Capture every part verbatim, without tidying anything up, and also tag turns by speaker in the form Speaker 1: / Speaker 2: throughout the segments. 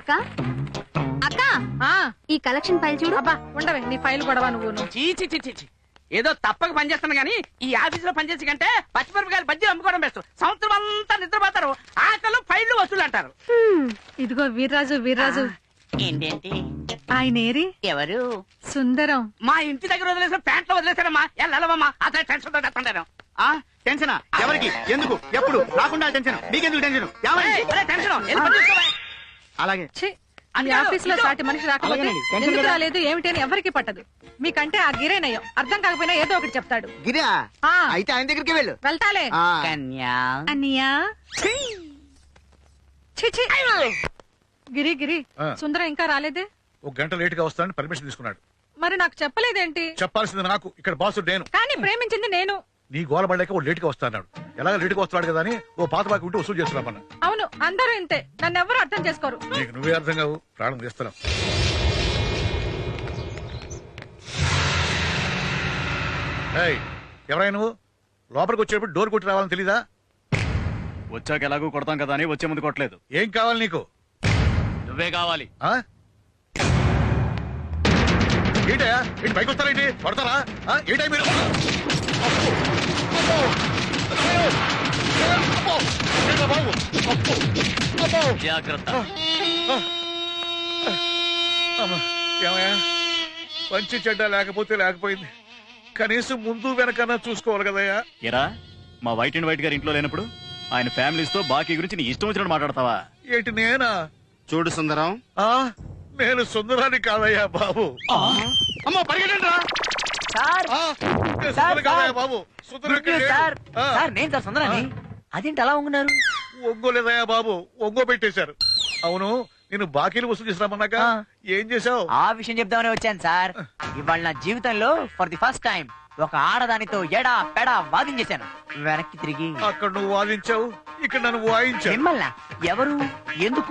Speaker 1: అక్క అక్క ఈ కలెక్షన్ ఫైల్ చూడు.
Speaker 2: అబ్బా ఉండవే నీ ఫైల్ గొడవ నువ్వు.
Speaker 3: చీచి చీచి ఏదో తప్పక పనిచేస్తాను గానీ ఈ ఆఫీస్ లో పనిచేసి కంటే పచ్చిమిరపకాయలు బజ్జీలు అమ్ముకోవడం బెస్ట్. సంవత్సరం అంతా నిద్రపోతారు, ఆకలు ఫైళ్లు వసూలు అంటారు.
Speaker 2: ఇదిగో వీర్రాజు వీర్రాజు
Speaker 3: ఏంటేంటి
Speaker 2: ఆయన ఏరి
Speaker 3: ఎవరు?
Speaker 2: సుందరం.
Speaker 3: మా ఇంటి దగ్గర వదిలేసిన ప్యాంట్ లో వదిలేశారమ్మా. వెళ్ళవమ్మా అతను టెన్షన్ తో చెప్తాను.
Speaker 4: టెన్షన్ ఎవరికి, ఎందుకు, ఎప్పుడు రాకుండా టెన్షన్ మీకెందుకు టెన్షన్?
Speaker 3: టెన్షన్
Speaker 4: అలాగే
Speaker 2: ఈ ఆఫీస్ లో సాటి మనిషి రాకపోతే ఎందుకు రాలేదు ఏమిటి అని ఎవరికి పట్టదు. మీకంటే ఆ గిరేనయ్యం అర్థం కాకపోయినా ఏదో ఒకటి చెప్తాడు.
Speaker 4: గిరా అయితే ఆయన దగ్గరికి వెళ్ళు.
Speaker 2: వెళ్తాలే అన్నయ్యా. గిరి గిరి సుందరం ఇంకా రాలేదే?
Speaker 5: ఒక గంట లేట్ గా వస్తానని పర్మిషన్ తీసుకున్నాడు.
Speaker 2: మరి నాకు చెప్పలేదేంటి?
Speaker 5: చెప్పాల్సింది నాకు, ఇక్కడ బాసు నేను.
Speaker 2: కానీ ప్రేమించింది నేను.
Speaker 5: నీ గోలబడలేక ఓ లేట్ గా వస్తాడు. ఎలాగ లేట్ గా వస్తాడు కదా అని ఓ పాత బాకి ఉంటే వసూలు చేస్తున్నామన్న.
Speaker 2: అవును అందరూ ఇంతే, నన్ను ఎవరు అర్థం చేసుకోరు.
Speaker 5: నీకు నువ్వే అర్థం కావు, ప్రాణం చేస్తున్నావు. ఎవరైనా నువ్వు లోపలికి వచ్చేటప్పుడు డోర్ కొట్టి రావాలని తెలీదా?
Speaker 4: వచ్చాక ఎలాగో కొడతాం కదా అని వచ్చే ముందు కొట్టలేదు.
Speaker 5: ఏం కావాలి నీకు?
Speaker 4: నువ్వే కావాలి.
Speaker 5: ఏంటయా ఏంటి పైకి వస్తారేంటి? కొడతారా ఏంటా మీరు?
Speaker 4: జాగ్రత్త.
Speaker 5: ఏమయ్యా మంచి చెడ్డ లేకపోతే లేకపోయింది, కనీసం ముందు వెనకన్నా చూసుకోవాలి కదయ్యా.
Speaker 4: ఎరా మా వైట్ అండ్ వైట్ గారి ఇంట్లో లేనప్పుడు ఆయన ఫ్యామిలీస్ తో బాకీ గురించి నీ ఇష్టం వచ్చినట్టు మాట్లాడతావా?
Speaker 5: ఏంటి నేనా?
Speaker 4: చూడు సుందరం,
Speaker 5: నేను సుందరాన్ని కాదయ్యా బాబు.
Speaker 4: అమ్మో పరిగెట్టండి రా.
Speaker 5: బాబు
Speaker 3: నేను సార్ సుందరాన్ని. అదేంటి అలా ఉంటున్నారు?
Speaker 5: ఒంగోలేదయ్యా బాబు, ఒంగో పెట్టేశారు. అవును నేను బాకీలు వసూలు చేసినామన్నాక ఏం చేశావు?
Speaker 3: ఆ విషయం చెప్దామని వచ్చాను సార్. ఇవాళ నా జీవితంలో ఫర్ ది ఫస్ట్ టైం ఒక ఆడదానితో ఎడా పెడా వాదించేశాను. వెనక్కి తిరిగి
Speaker 5: అక్కడ నువ్వు వాదించావు, ఇక్కడ నన్ను వాయించావు.
Speaker 3: మిమ్మల్ని ఎవరు ఎందుకు?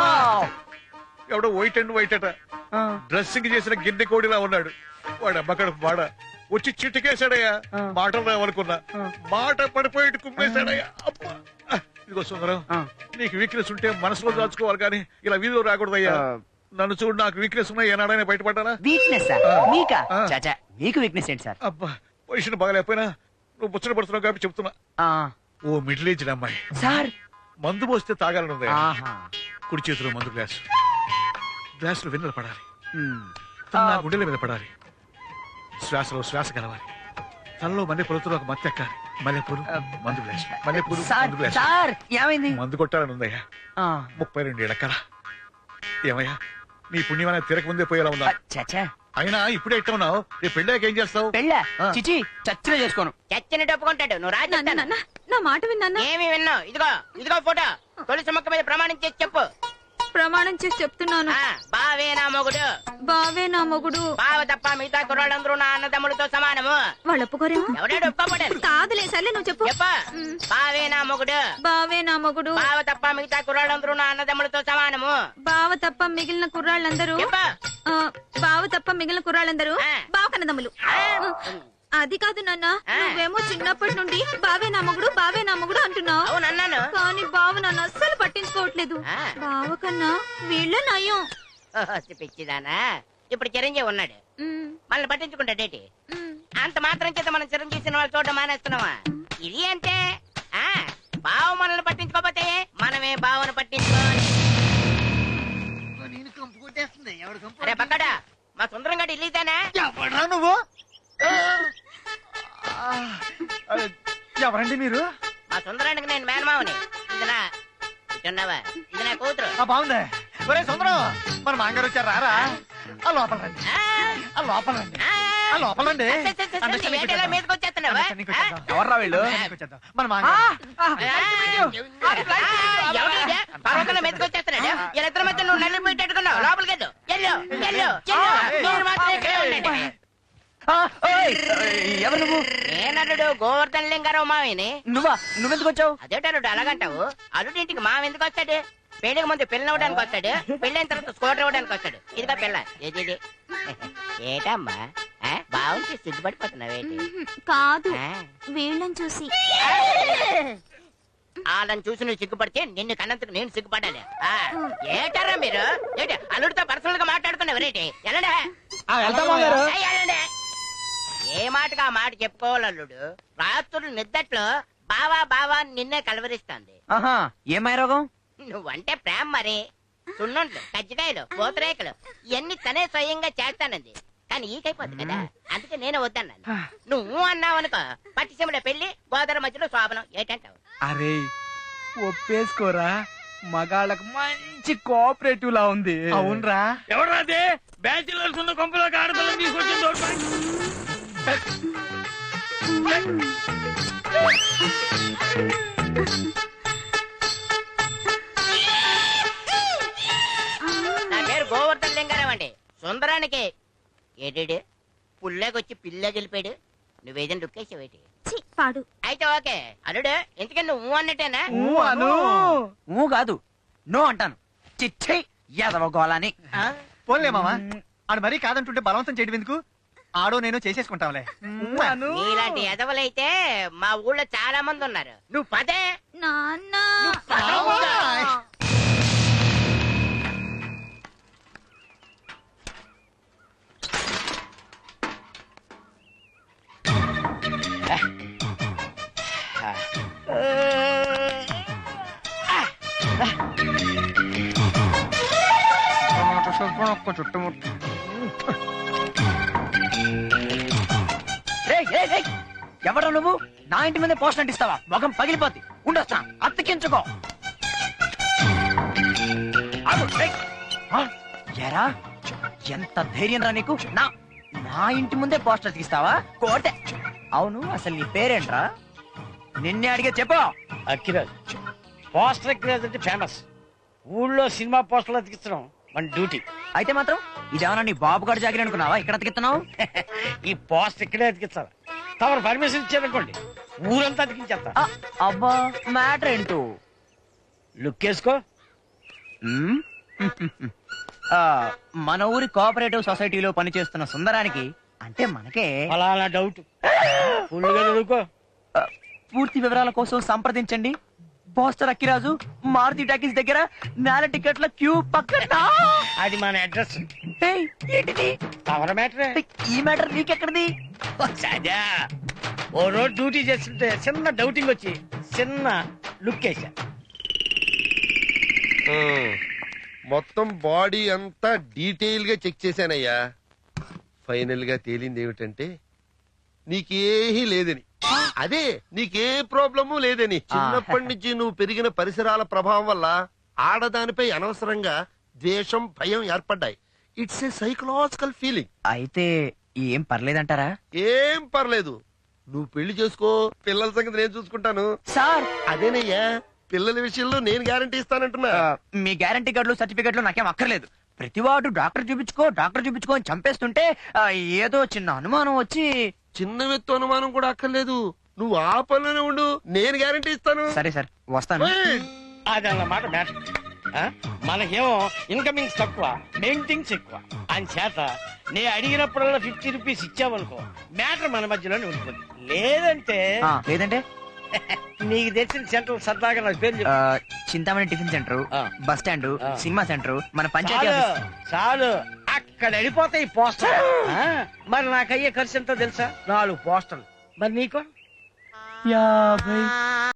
Speaker 5: ఎవడో వైట్ అండ్ వైట్ అట, డ్రెస్సింగ్ చేసిన గిన్నె కోడిలా ఉన్నాడు. వాడు అమ్మకడ వాడ వచ్చి చిట్టుకేశాడయ్యా. మాటలు రావనుకున్నా, మాట పడిపోయి కుమ్మేశాడయ్యా. అబ్బా ఇదిగో సుందరం, నీకు వీక్నెస్ ఉంటే మనసులో దాచుకోవాలి కానీ ఇలా వీధిలో రాకూడదయ్యా. నన్ను చూడు, నాకు వీక్నెస్ ఉన్నాయి. ఏనాడైనా బయటపడ్డానా?
Speaker 3: వీక్నెస్ మీకు వీక్నెస్ ఏంటి సార్?
Speaker 5: అబ్బా పొజిషన్ బాగలేకపోయినా నువ్వు ముచ్చట పడుతున్నావు కాబట్టి చెప్తున్నా. ఓ మిడిల్ ఏజ్డ్ అమ్మాయి
Speaker 3: సార్
Speaker 5: మందు పోస్తే తాగాలనుంది. కుడి చేతిలో మందు గ్లాసు, గ్లాస్ లో వెన్నెల పడాలి, తన గుండెల మీద పడాలి, శ్వాసలో శ్వాస కలవాలి, తనలో మల్లె పొలతో ఒక మత్తు ఎక్కాలి. మల్లెపూలు మందు గ్లాసు, మల్లెపూలు మందు గ్లాసు.
Speaker 3: ఏమైంది?
Speaker 5: మందు కొట్టాలని ఉందయ్యా. ముప్పై రెండు ఏళ్ళ కళ. ఏమయ్యా నీ పుణ్యమైన తిరగ ముందే పోయేలా ఉందా? అయినా ఇప్పుడే ఎట్లా ఉన్నావు? రేపు పెళ్ళాక ఏం చేస్తావు?
Speaker 3: పెళ్ళా చిచి చచ్చిన చేసుకోను. చచ్చిన ఒప్పుకుంటాడు. నువ్వు రాజు
Speaker 1: నా మాట విన్నా?
Speaker 3: ఏమి విన్నావు? ఇదిగో ఇదిగో ఫోటో. తొలిసి మొక్క మీద ప్రమాణం చేసి చెప్పు.
Speaker 1: ప్రమాణం చేసి చెప్తున్నాను.
Speaker 3: బావే నా మొగుడు.
Speaker 1: బావే నా మొగుడు.
Speaker 3: బావ తప్ప మిగతా కుర్రాళ్ళందరూ నా అన్నదమ్ముడితో సమానము.
Speaker 1: వాళ్ళు ఒప్పుకోరేమో.
Speaker 3: ఎవడాడు ఒప్పుకోబడ్డాడు?
Speaker 1: కాదులే సర్లే నువ్వు చెప్పు.
Speaker 3: చెప్ప. బావే నా మొగుడు.
Speaker 1: బావే నా మొగుడు.
Speaker 3: బావ తప్ప మిగతా కుర్రాళ్ళందరూ నా అన్నదమ్ముడితో సమానము.
Speaker 1: బావ తప్ప మిగిలిన కుర్రాళ్ళందరూ బావ తప్ప మిగిలిన కుర్రాళ్ళందరూ బావ కన్నదమ్ములు. అది కాదు నాన్న, నువ్వేమో చిన్నప్పటి నుండి బావే నా మొగుడు బావే నా మొగుడు అంటున్నావు. కానీ బావ నన్ను అస్సలు పట్టించుకోవట్లేదు. బావ కన్నా వీళ్ళ నయం.
Speaker 3: పిచ్చిదానా, ఇప్పుడు చిరంజీవి ఉన్నాడు, మనల్ని పట్టించుకుంటాడేటి? అంత మాత్రం చేత మనం చిరంజీవి సినిమాలు చూడడం మానేస్తున్నావా? ఇది అంటే బావ మనల్ని పట్టించుకోకపోతే మనమే బావను పట్టించుకోవాలి. అరే పక్కడా, మా సుందరం గడి ఇల్లీదానా?
Speaker 4: నువ్వు ఎవరండి మీరు?
Speaker 3: మా సుందరానికి నేను మేనమావని. ఇది నా ఇటున్నావా? ఇది నా కూతురు.
Speaker 4: బాగుంది. ఒరే సుందరం, మన మాంగారు వచ్చారు. రారా ఆ లోపల రండి, ఆ లోపల రండి, ఆ లోపల రండి.
Speaker 3: మీదకొచ్చేస్తున్నావా?
Speaker 4: ఎవర్రా వీళ్ళు? మన మాంగారు
Speaker 3: పర్వతంలో మీదకొచ్చేస్తున్నాడు. వీళ్ళిద్దరి మధ్య నువ్వు నల్లి పెట్టేట్టుకున్నావు. లోపలికి వెళ్ళు, వెళ్ళు, వెళ్ళు. మీరు మాత్రం ఇక్కడే ఉండండి.
Speaker 4: ఎవరు నువ్వు?
Speaker 3: నేనల్లుడు గోవర్ధన్ లింగారావు మావిని.
Speaker 4: నువ్వా? నువ్వెందుకు వచ్చావు?
Speaker 3: అదేటల్లుడు అలాగంటావు? అల్లుడి ఇంటికి మావ ఎందుకు వస్తాడు? పెళ్లికి ముందు పిల్లలు ఇవ్వడానికి వస్తాడు, పెళ్ళైన తర్వాత స్కూటర్ ఇవ్వడానికి వస్తాడు. ఇదిగా పిల్ల. ఏది ఏటమ్మా బాగుంది, సిగ్గుపడిపోతున్నావేంటి?
Speaker 1: కాదు వీళ్ళని చూసి.
Speaker 3: వాళ్ళని చూసి నువ్వు సిగ్గుపడితే నిన్ను కన్నందుకు నేను సిగ్గుపడాలి ఆ, ఏటారా మీరు ఏంటి అల్లుడితో పర్సనల్ గా మాట్లాడుకున్నావు రేటి ఎలాండే ఏ మాటగా ఆ మాట చెప్పుకోవాలి అల్లుడు. రాత్రులు నిద్దట్లో బావా బావా అని నిన్నే కలవరిస్తాంది.
Speaker 6: ఆహా ఏమై రోగం?
Speaker 3: నువ్వంటే ప్రేమ మరి. సున్నుండ్లు కజ్జికాయలు పూతరేకలు ఇవన్నీ తనే స్వయంగా చేస్తానంది. కానీ ఈకైపోద్ది కదా, అందుకే నేనే వద్దన్నాను. నువ్వు అన్నావు అనుకో పట్టిసీమల పెళ్లి గోదావరి మధ్యలో శోభనం ఏటంటావు?
Speaker 6: అరే ఒప్పేసుకోరా, మగాళ్ళకు మంచి కోఆపరేటివ్ లా ఉంది.
Speaker 4: అవునరా.
Speaker 7: ఎవరాదే బ్యాచిలర్స్ ఉన్న కొంపలోకి ఆడపిల్లని తీసుకొచ్చింది
Speaker 3: నా పేరు గోవర్ధన్ లింగారావు అండి. సుందరానికి ఏడేడు పుల్లేకొచ్చి పిల్ల గెలిపాడు. నువ్వేదైనా రుక్కేసావేటి?
Speaker 1: ఛీ, పాడు.
Speaker 3: అయితే ఓకే అల్లుడు, ఎందుకని నువ్వు అన్నట్టేనా?
Speaker 6: ఊ అను. ఊ కాదు నో అంటాను. చిచ్చై యాదవ గోళాని.
Speaker 4: పోన్లే మామ, ఆడు మరీ కాదంటుంటే బలవంతం చేయడం ఎందుకు? ఆడో నేను చేసేసుకుంటాంలే.
Speaker 3: నీలాంటి ఎదవలైతే మా ఊళ్ళో చాలా మంది ఉన్నారు. నువ్వు పదే
Speaker 1: నాన్న
Speaker 3: పదవుగా.
Speaker 6: చుట్టుముట్టు. రేయ్, రేయ్, రేయ్, ఎవరా నువ్వు? నా ఇంటి మీద పోస్ట్ అంటిస్తావా? మొఖం పగిలిపోద్ది. ఉండొస్తా, అత్తకించుకో. ఆగు, రేయ్. ఆ, ఎరా ఎంత ధైర్యం రా నీకు? నా నా ఇంటి ముందే పోస్టర్ అతికిస్తావా? కోటే. అవును, అసలు నీ పేరేంట్రా? నిన్నే అడిగే చెప్పు.
Speaker 7: అక్కిరాజ్. పోస్టర్ అక్కిరాజ్ అంటే ఫేమస్. ఊళ్ళో సినిమా పోస్టర్లు అతికించడం మన డ్యూటీ.
Speaker 6: అయితే మాత్రం ఇదేమన్నా నీ బాబు గారు జాగిరి అనుకున్నావా? ఇక్కడ అతికిస్తున్నావు?
Speaker 7: ఈ పోస్టర్ ఇక్కడే అతికించాలి. తమరు పర్మిషన్ ఇచ్చారనుకోండి ఊరంతా అతికించేస్తా.
Speaker 6: ఆ, అబ్బా మ్యాటర్ ఏంటో
Speaker 7: లుక్ వేసుకో.
Speaker 6: మ్మ్? ఆ, మన ఊరి కోఆపరేటివ్ సొసైటీలో పనిచేస్తున్న సుందరానికి అంటే మనకే
Speaker 7: ఫలానా డౌట్ ఫుల్గా చదువుకో.
Speaker 6: ఆ, పూర్తి వివరాల కోసం సంప్రదించండి పోస్టర్ అక్కిరాజు, మారుతి టాకీస్ దగ్గర, నేల టికెట్ల క్యూ పక్కన.
Speaker 7: అది మన అడ్రస్.
Speaker 6: ఏయ్, ఏంటిది?
Speaker 7: తమర మ్యాటరే.
Speaker 6: ఏయ్, ఈ మ్యాటర్ నీకెక్కడిది?
Speaker 7: సదా ఓ రోజు డ్యూటీ చేస్తుంటే చిన్న డౌటింగ్ వచ్చి చిన్న లుక్ వేసా.
Speaker 8: మొత్తం బాడీ అంతా డీటెయిల్ గా చెక్ చేశానయ్యా. ఫైనల్ గా తేలింది ఏమిటంటే నీకేహీ లేదని. అదే నీకే ప్రాబ్లము లేదని. చిన్నప్పటి నుంచి నువ్వు పెరిగిన పరిసరాల ప్రభావం వల్ల ఆడదానిపై అనవసరంగా ద్వేషం, భయం ఏర్పడ్డాయి. It's a psychological feeling.
Speaker 6: అయితే ఏం పర్లేదంటారా?
Speaker 8: ఏం పర్లేదు, నువ్వు పెళ్లి చేసుకో, పిల్లల సంగతి నేను చూసుకుంటాను.
Speaker 6: సార్
Speaker 8: అదేనయ్యా, పిల్లల విషయంలో నేను గ్యారంటీ ఇస్తానంటున్నా.
Speaker 6: ఆ, మీ గ్యారంటీ కార్డులు సర్టిఫికెట్లు నాకేం అక్కర్లేదు. ప్రతివాడు డాక్టర్ చూపించుకో డాక్టర్ చూపించుకో అని చంపేస్తుంటే ఆ, ఏదో చిన్న అనుమానం వచ్చి.
Speaker 8: చిన్న వ్యక్తి అనుమానం కూడా అక్కర్లేదు, నువ్వు ఆ పనిలోనే ఉండు, నేను గ్యారంటీ ఇస్తాను.
Speaker 6: సరే సార్ వస్తాను.
Speaker 7: అది అన్నమాట మ్యాటర్. మనకేమో ఇన్కమింగ్స్ తక్కువ, మెయింటింగ్స్ ఎక్కువ. అని చేత నేను అడిగినప్పుడల్లా ఫిఫ్టీ రూపీస్ ఇచ్చావనుకో మ్యాటర్ మన మధ్యలోనే ఉంటుంది. లేదంటే
Speaker 6: ఆ, లేదంటే
Speaker 7: నీకు తెలిసిన సెంటర్ సరదాగా నాకు పేరు చెప్పు.
Speaker 6: ఆ, చింతామణి టిఫిన్ సెంటర్,
Speaker 7: ఆ.
Speaker 6: బస్ స్టాండ్,
Speaker 7: ఆ.
Speaker 6: సినిమా సెంటర్, మన పంచాయతీ
Speaker 7: చాలు
Speaker 6: ఆఫీస్.
Speaker 7: చాలు అక్కడ వెళ్ళిపోతాయి పోస్టర్. మరి నాకు అయ్యే ఖర్చు ఎంతో తెలుసా? నాలుగు పోస్టర్లు. మరి నీకో
Speaker 6: యాభై